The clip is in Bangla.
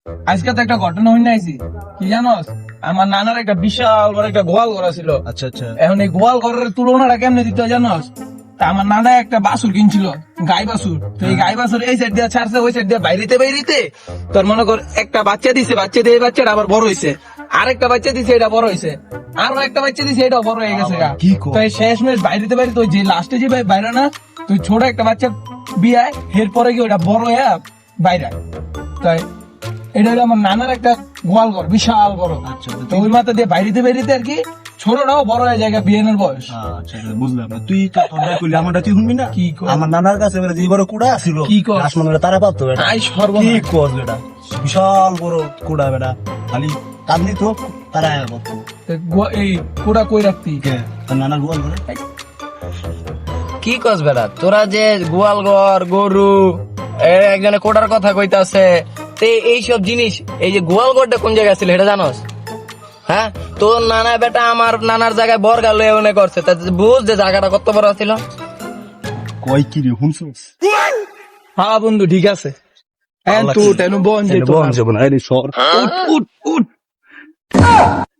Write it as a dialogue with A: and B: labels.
A: আজকে তো একটা ঘটনা হইনা আইছি, কি জানোস? আমার নানার একটা বিশাল বড় একটা গোয়াল ঘর ছিল।
B: আচ্ছা আচ্ছা।
A: এখন এই গোয়াল ঘরের তুলনাটা কেমনে দিতে হয় জানোস? তা আমার নানা একটা বাছুর কিনছিল, গাই বাছুর। তো এই গাই বাছুর এই সাইড দিয়ে ছাড়ছে, ওই সাইড দিয়ে বাইরিতে তোর মনে কর একটা বাচ্চা দিছে, বাচ্চা দিয়ে এই বাচ্চাটা আবার বড় হয়েছে, আরেকটা বাচ্চা দিছে, এটা বড় হয়েছে, আরো একটা বাচ্চা দিছে, এটাও বড় হয়ে গেছে গা।
B: কি কও?
A: তো এই শেষমেশ বাইরিতে ওই যে লাস্টে যে বাইরে না, তুই ছোট একটা বাচ্চা বিয়ায়, এরপরে কি ওটা বড় হয়ে বাইরে। তাই এটা হলো আমার নানার একটা গোয়াল ঘর, বিশাল বড়।
B: আচ্ছা,
A: তো ওই মাথা দিয়ে বাইরিতে আর কি ছোটটাও বড় হয়ে যায় বিয়েনের বয়স।
B: আচ্ছা বুঝলাম। তুই কইলি আমারটা তুই শুনবি না?
A: কি কও?
B: আমার নানার কাছে যে বড় কুড়া ছিল,
A: কি কও?
B: আসমানের তারা পাবতো বেটা।
A: আই
B: কি
A: সর্বনাশ।
B: কস বেটা? বিশাল বড় কুড়া বেটা, খালি কান্দি তো তারা পাবতো।
A: এই কোটা কই রাখতি?
B: তার নানার গোয়াল ঘরে
C: কি কস বেড়া, তোরা যে গোয়াল ঘর গরু একজনে কোটার কথা কইতাছে, তে এইসব জিনিস, এই যে গোয়াল ঘরটা কোন জায়গায় ছিল এটা জানোস? হ্যাঁ, তোর নানা বেটা আমার নানার জায়গায় বর্গা লয়ে মনে করছে, তা বুঝ যে জায়গাটা কত বড় ছিল।
B: কই কি রে শুনছস?
A: হ্যাঁ বন্ধু ঠিক আছে। হ্যাঁ তুই বন যে
B: বন যাবো না, এই সর।
A: উঠ উঠ উঠ।